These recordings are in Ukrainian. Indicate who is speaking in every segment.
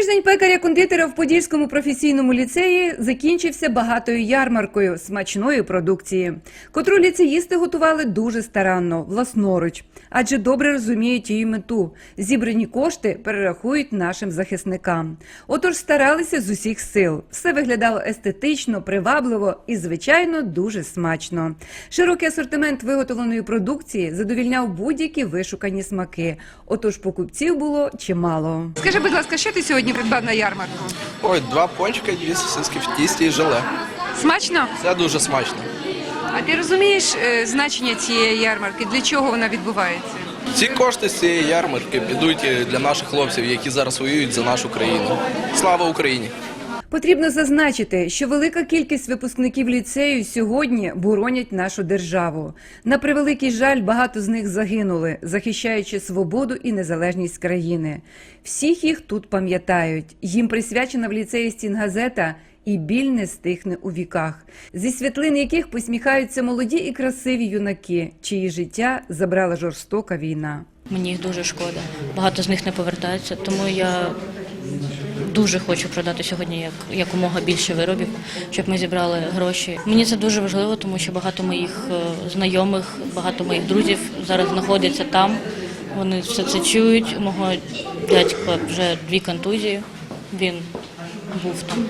Speaker 1: Тиждень пекаря-кондитера в Подільському професійному ліцеї закінчився багатою ярмаркою смачної продукції, котру ліцеїсти готували дуже старанно, власноруч, адже добре розуміють її мету – зібрані кошти перерахують нашим захисникам. Отож старалися з усіх сил. Все виглядало естетично, привабливо і, звичайно, дуже смачно. Широкий асортимент виготовленої продукції задовільняв будь-які вишукані смаки. Отож покупців було чимало.
Speaker 2: Скажи, будь ласка, що ти сьогодні придбав на ярмарку?
Speaker 3: Ой, 2 пончика, 2 сосиски в тісті і желе.
Speaker 2: Смачно?
Speaker 3: Це дуже смачно.
Speaker 2: А ти розумієш значення цієї ярмарки? Для чого вона відбувається?
Speaker 3: Ці кошти з цієї ярмарки підуть для наших хлопців, які зараз воюють за нашу країну. Слава Україні!
Speaker 1: Потрібно зазначити, що велика кількість випускників ліцею сьогодні боронять нашу державу. На превеликий жаль, багато з них загинули, захищаючи свободу і незалежність країни. Всіх їх тут пам'ятають. Їм присвячена в ліцеї стінгазета «І біль не стихне у віках», зі світлин яких посміхаються молоді і красиві юнаки, чиї життя забрала жорстока війна.
Speaker 4: Мені їх дуже шкода. Багато з них не повертаються, тому я дуже хочу продати сьогодні якомога більше виробів, щоб ми зібрали гроші. Мені це дуже важливо, тому що багато моїх знайомих, багато моїх друзів зараз знаходяться там. Вони все це чують. У мого дядька вже 2 контузії, він був там.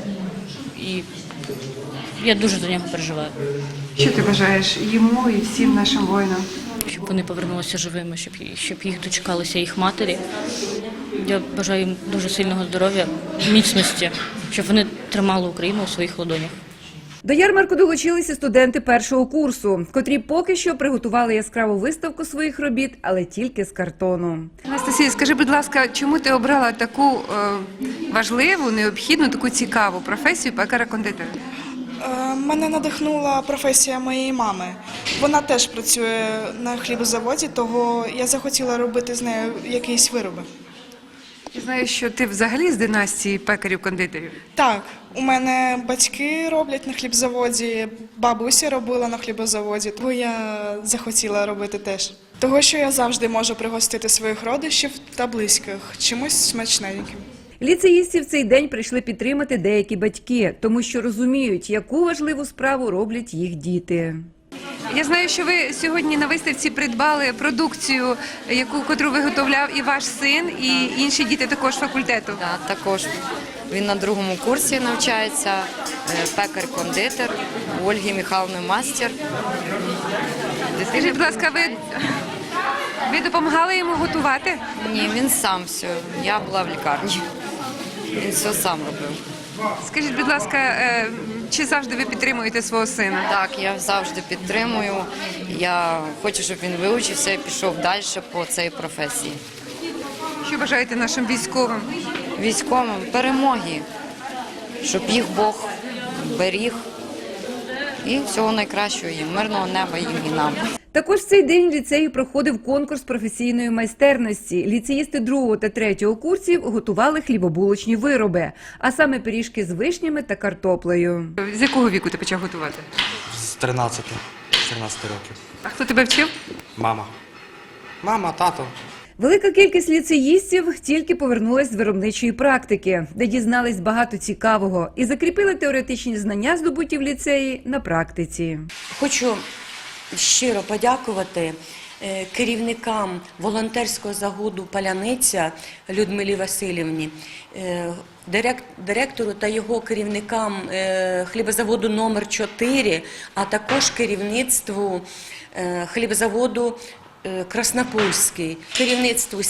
Speaker 4: І я дуже за нього переживаю.
Speaker 2: Що ти бажаєш йому і всім нашим воїнам?
Speaker 4: Щоб вони повернулися живими, щоб їх дочекалися їх матері. Я бажаю їм дуже сильного здоров'я, міцності, щоб вони тримали Україну у своїх ладонях.
Speaker 1: До ярмарку долучилися студенти першого курсу, котрі поки що приготували яскраву виставку своїх робіт, але тільки з картону.
Speaker 2: Анастасія, скажи, будь ласка, чому ти обрала таку важливу, необхідну, таку цікаву професію пекаря-кондитера?
Speaker 5: Мене надихнула професія моєї мами. Вона теж працює на хлібозаводі, того я захотіла робити з нею якісь вироби.
Speaker 2: Я знаю, що ти взагалі з династії пекарів-кондитерів.
Speaker 5: Так, у мене батьки роблять на хлібзаводі, бабуся робила на хлібозаводі, тому я захотіла робити теж. Того, що я завжди можу пригостити своїх родичів та близьких чимось смачненьким.
Speaker 1: Ліцеїстів в цей день прийшли підтримати деякі батьки, тому що розуміють, яку важливу справу роблять їх діти.
Speaker 2: Я знаю, що ви сьогодні на виставці придбали продукцію, котру виготовляв і ваш син, і інші діти також факультету.
Speaker 6: Так, також. Він на 2-му курсі навчається, пекар-кондитер, у Ольги Михайловни мастер.
Speaker 2: Скажіть, будь ласка, ви допомагали йому готувати?
Speaker 6: Ні, він сам все. Я була в лікарні. Він все сам робив.
Speaker 2: Скажіть, будь ласка, чи завжди ви підтримуєте свого сина?
Speaker 6: Так, я завжди підтримую. Я хочу, щоб він вивчився і пішов далі по цій професії.
Speaker 2: Що бажаєте нашим військовим?
Speaker 6: Військовим перемоги, щоб їх Бог беріг. І всього найкращого їм, мирного неба їм і нам.
Speaker 1: Також в цей день в ліцеї проходив конкурс професійної майстерності. Ліцеїсти 2-го та 3-го курсів готували хлібобулочні вироби, а саме пиріжки з вишнями та картоплею.
Speaker 2: З якого віку ти почав готувати?
Speaker 7: З 14 років.
Speaker 2: А хто тебе вчив?
Speaker 7: Мама. Мама, тато.
Speaker 1: Велика кількість ліцеїстів тільки повернулась з виробничої практики, де дізнались багато цікавого і закріпили теоретичні знання, здобуті в ліцеї, на практиці.
Speaker 8: Хочу щиро подякувати керівникам волонтерського загону «Паляниця» Людмилі Васильівні, директору та його керівникам хлібозаводу номер 4, а також керівництву хлібозаводу Краснопольський, керівництву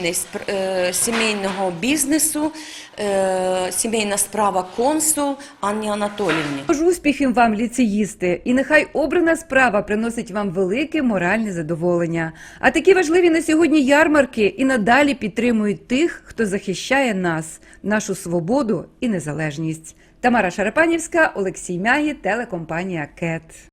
Speaker 8: сімейного бізнесу, сімейна справа консул Анні Анатоліївні.
Speaker 1: Тож успіхів вам, ліцеїсти, і нехай обрана справа приносить вам велике моральне задоволення. А такі важливі на сьогодні ярмарки і надалі підтримують тих, хто захищає нас, нашу свободу і незалежність. Тамара Шарапанівська, Олексій Мягі, телекомпанія «КЕТ».